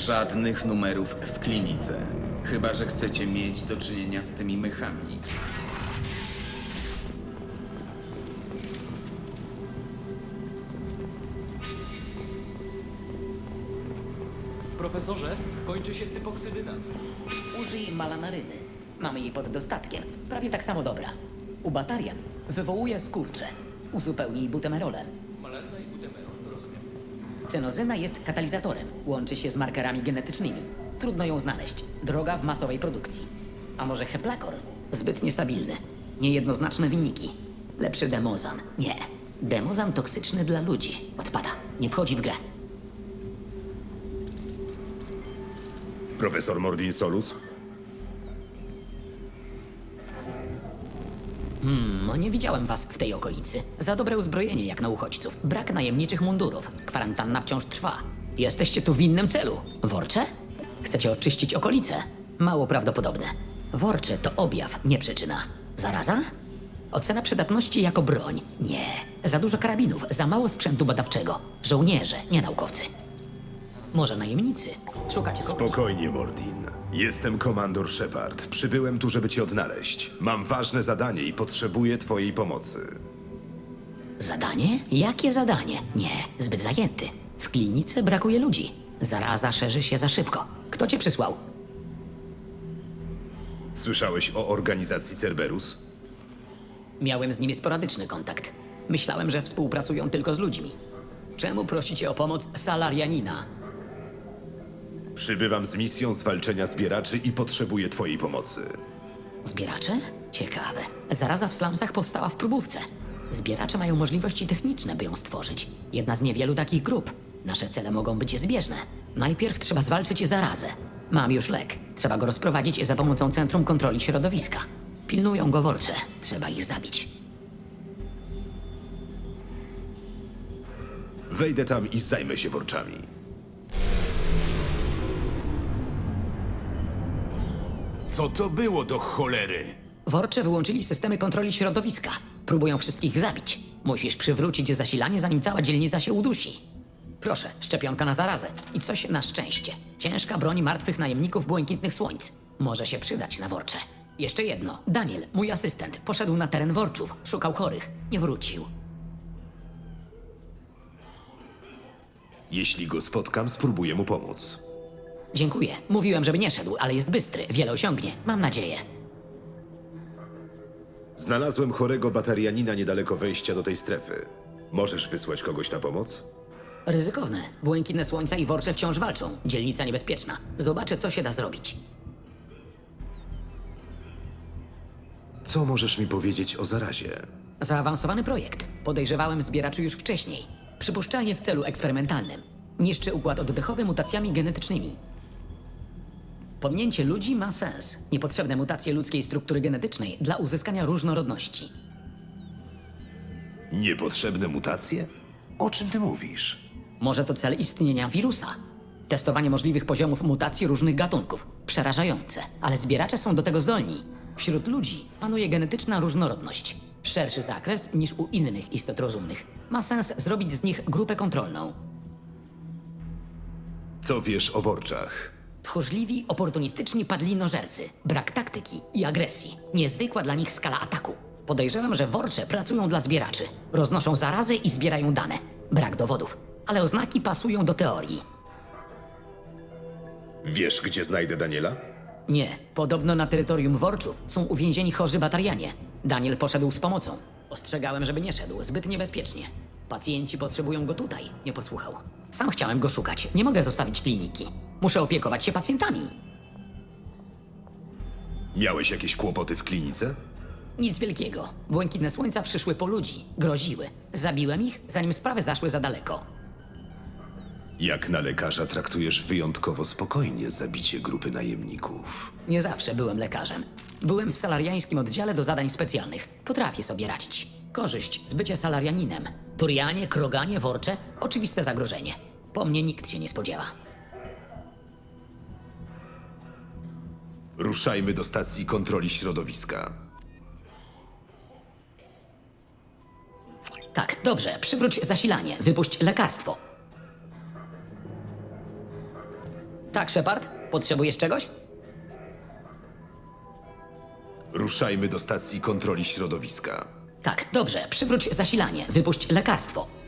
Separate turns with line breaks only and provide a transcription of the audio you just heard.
Żadnych numerów w klinice. Chyba że chcecie mieć do czynienia z tymi mychami.
Profesorze, kończy się cypoksydyna.
Użyj malanaryny. Mamy jej pod dostatkiem. Prawie tak samo dobra. U batarian wywołuje skurcze. Uzupełnij butemerolem.
Malarna i butemerol, rozumiem.
Cynozyna jest katalizatorem. Łączy się z markerami genetycznymi. Trudno ją znaleźć. Droga w masowej produkcji. A może heplakor? Zbyt niestabilny. Niejednoznaczne wyniki. Lepszy demozan. Nie. Demozan toksyczny dla ludzi. Odpada. Nie wchodzi w grę.
Profesor Mordin Solus?
No nie widziałem was w tej okolicy. Za dobre uzbrojenie jak na uchodźców. Brak najemniczych mundurów. Kwarantanna wciąż trwa. Jesteście tu w innym celu. Worcze? Chcecie oczyścić okolice? Mało prawdopodobne. Worcze to objaw, nie przyczyna. Zaraza? Ocena przydatności jako broń? Nie. Za dużo karabinów, za mało sprzętu badawczego. Żołnierze, nie naukowcy. Może najemnicy? Szukacie kogoś?
Spokojnie, Mordin. Jestem komandor Shepard. Przybyłem tu, żeby cię odnaleźć. Mam ważne zadanie i potrzebuję twojej pomocy.
Zadanie? Jakie zadanie? Nie, zbyt zajęty. W klinice brakuje ludzi. Zaraza szerzy się za szybko. Kto cię przysłał?
Słyszałeś o organizacji Cerberus?
Miałem z nimi sporadyczny kontakt. Myślałem, że współpracują tylko z ludźmi. Czemu prosicie o pomoc salarianina?
Przybywam z misją zwalczenia zbieraczy i potrzebuję twojej pomocy.
Zbieracze? Ciekawe. Zaraza w slumsach powstała w próbówce. Zbieracze mają możliwości techniczne, by ją stworzyć. Jedna z niewielu takich grup. Nasze cele mogą być zbieżne. Najpierw trzeba zwalczyć zarazę. Mam już lek. Trzeba go rozprowadzić za pomocą Centrum Kontroli Środowiska. Pilnują go worcze. Trzeba ich zabić.
Wejdę tam i zajmę się worczami.
Co to było do cholery?
Worcze wyłączyli systemy kontroli środowiska. Próbują wszystkich zabić. Musisz przywrócić zasilanie, zanim cała dzielnica się udusi. Proszę, szczepionka na zarazę. I coś na szczęście. Ciężka broń martwych najemników błękitnych słońc. Może się przydać na worcze. Jeszcze jedno. Daniel, mój asystent, poszedł na teren worczów. Szukał chorych. Nie wrócił.
Jeśli go spotkam, spróbuję mu pomóc.
Dziękuję. Mówiłem, żeby nie szedł, ale jest bystry. Wiele osiągnie. Mam nadzieję.
Znalazłem chorego batarianina niedaleko wejścia do tej strefy. Możesz wysłać kogoś na pomoc?
Ryzykowne. Błękitne słońca i worcze wciąż walczą. Dzielnica niebezpieczna. Zobaczę, co się da zrobić.
Co możesz mi powiedzieć o zarazie?
Zaawansowany projekt. Podejrzewałem zbieraczy już wcześniej. Przypuszczalnie w celu eksperymentalnym. Niszczy układ oddechowy mutacjami genetycznymi. Pominięcie ludzi ma sens. Niepotrzebne mutacje ludzkiej struktury genetycznej dla uzyskania różnorodności.
Niepotrzebne mutacje? O czym ty mówisz?
Może to cel istnienia wirusa. Testowanie możliwych poziomów mutacji różnych gatunków. Przerażające, ale zbieracze są do tego zdolni. Wśród ludzi panuje genetyczna różnorodność. Szerszy zakres niż u innych istot rozumnych. Ma sens zrobić z nich grupę kontrolną.
Co wiesz o worczach?
Tchórzliwi, oportunistyczni padlinożercy. Brak taktyki i agresji. Niezwykła dla nich skala ataku. Podejrzewam, że worcze pracują dla zbieraczy. Roznoszą zarazy i zbierają dane. Brak dowodów, ale oznaki pasują do teorii.
Wiesz, gdzie znajdę Daniela?
Nie, podobno na terytorium worczów są uwięzieni chorzy batarianie. Daniel poszedł z pomocą. Ostrzegałem, żeby nie szedł, zbyt niebezpiecznie. Pacjenci potrzebują go tutaj, nie posłuchał. Sam chciałem go szukać, nie mogę zostawić kliniki. Muszę opiekować się pacjentami.
Miałeś jakieś kłopoty w klinice?
Nic wielkiego. Błękitne słońca przyszły po ludzi, groziły. Zabiłem ich, zanim sprawy zaszły za daleko.
Jak na lekarza traktujesz wyjątkowo spokojnie zabicie grupy najemników.
Nie zawsze byłem lekarzem. Byłem w salariańskim oddziale do zadań specjalnych. Potrafię sobie radzić. Korzyść z bycia salarianinem. Turianie, kroganie, worcze. Oczywiste zagrożenie. Po mnie nikt się nie spodziewa.
Ruszajmy do stacji kontroli środowiska.
Tak, dobrze. Przywróć zasilanie. Wypuść lekarstwo. Tak, Shepard? Potrzebujesz czegoś?
Ruszajmy do stacji kontroli środowiska.
Tak, dobrze. Przywróć zasilanie. Wypuść lekarstwo.